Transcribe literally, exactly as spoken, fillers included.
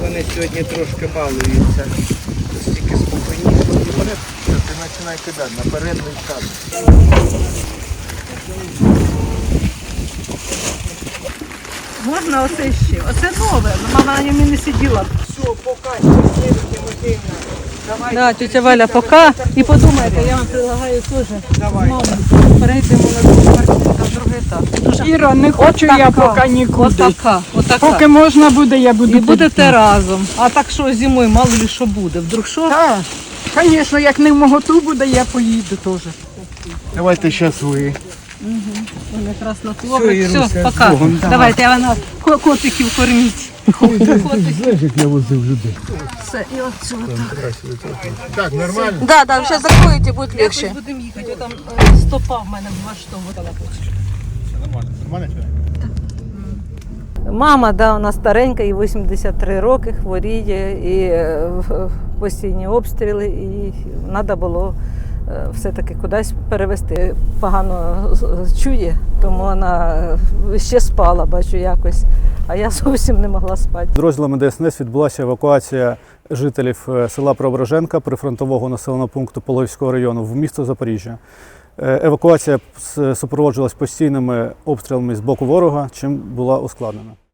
вони сьогодні трошки балуються. Стільки спокійніше. Вперед, ти починай кидати, наперед не вкати. Можна оце ще? Оце нове, мама на ньому не сиділа. Все, пока, Євгенія Матвіївна. Давай. Да, тетя Валя, пока. І подумайте, я вам предлагаю теж Давай. перейдемо на другу квартиру, на другий етап. Дуже Іра, не хочу я поки нікуди. Отака, отака. Поки можна буде, я буду І будете разом. А так що зимою, мало ли що буде. Вдруг що? Так, звісно, як не в моготу буде, я поїду теж. Давайте зараз ви. Він якраз на слово. Іруся, Все, пока. Богом. Давайте, я вона ко- котиків корміть. Знаєш, як я возив людей? Все, і от сюди. Так, нормально? Да, да, сейчас закроете, будет легче. Будемо їхати, там е, стопа в мене два штовхала. Нормально. Нормально? Мама, да, у нас старенька, їй вісімдесят три роки, хворіє, і е, в- постійні обстріли, і треба було е, все-таки кудись перевезти. Погано з- чує, тому вона е, ще спала, бачу, якось, а я зовсім не могла спати. Підрозділами Де Ес Ен Ес відбулася евакуація жителів е, села Преображенка прифронтового населеного пункту Пологівського району в місто Запоріжжя. Е, Евакуація с- супроводжувалась постійними обстрілами з боку ворога, чим була ускладнена.